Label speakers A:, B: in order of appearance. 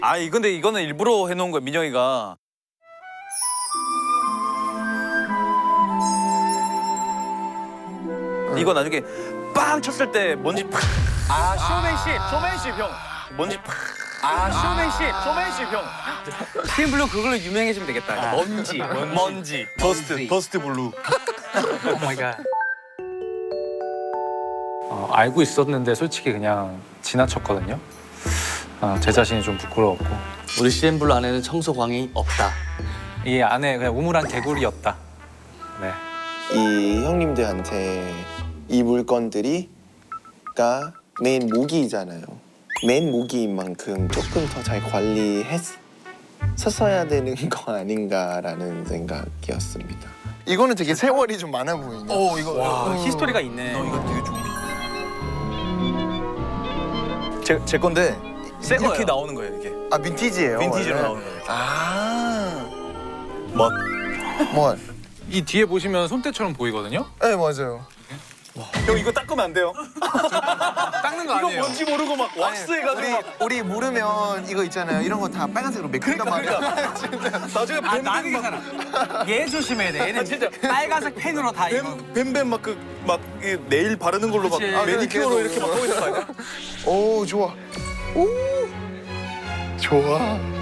A: 아이 근데 이거는 일부러 해놓은 거야 민영이가. 이거 나중에 빵 쳤을 때 먼지 팍.
B: 아 쇼맨십.
A: 쇼맨십 형. 먼지 팍.
B: 아 쇼맨십.
A: 쇼맨십 형.
B: TM블루 그걸로 유명해지면 되겠다. 먼지.
A: 먼지. 더스트 블루.
B: 오 마이 갓.
C: 알고 있었는데 솔직히 그냥 지나쳤거든요. 제 자신이 좀 부끄러웠고
D: 우리 CN블루 안에는 청소광이 없다.
C: 이 안에 그냥 우물한 개구리였다. 네.
E: 이 형님들한테 이 물건들이가 맨 모기잖아요. 맨 모기인 만큼 조금 더 잘 관리했었어야 되는 거 아닌가라는 생각이었습니다.
F: 이거는 되게 세월이 좀 많아 보이네.
A: 오 이거.
B: 와 히스토리가 있네.
A: 이거 되게 좋은데. 제 건데
B: 새
A: 이렇게
B: 거예요.
A: 나오는 거예요 이게.
F: 아 빈티지예요.
A: 빈티지로
F: 원래?
A: 나오는 거예요.
F: 아,
A: 멋.
F: 뭐?
C: 이 뒤에 보시면 손때처럼 보이거든요.
F: 네 맞아요.
A: 형 이거 닦으면 안 돼요.
F: 닦는 거
A: 이거
F: 아니에요.
A: 뭔지 모르고 막 왁스 해가지고 막.
F: 우리 모르면 이거 있잖아요. 이런 거 다 빨간색으로 메꾼단 말이야.
A: 나중에
B: 나는
A: 뱀뱀
B: 괜찮아. 얘 조심해야 돼. 얘는
A: 진짜.
B: 빨간색 펜으로 다 이거.
A: 뱀뱀 막 네일 바르는 걸로 막
B: 그치.
A: 매니큐어로
F: 계속.
A: 이렇게 막 하고 있는 거 아니야?
F: 오 좋아. 오 좋아.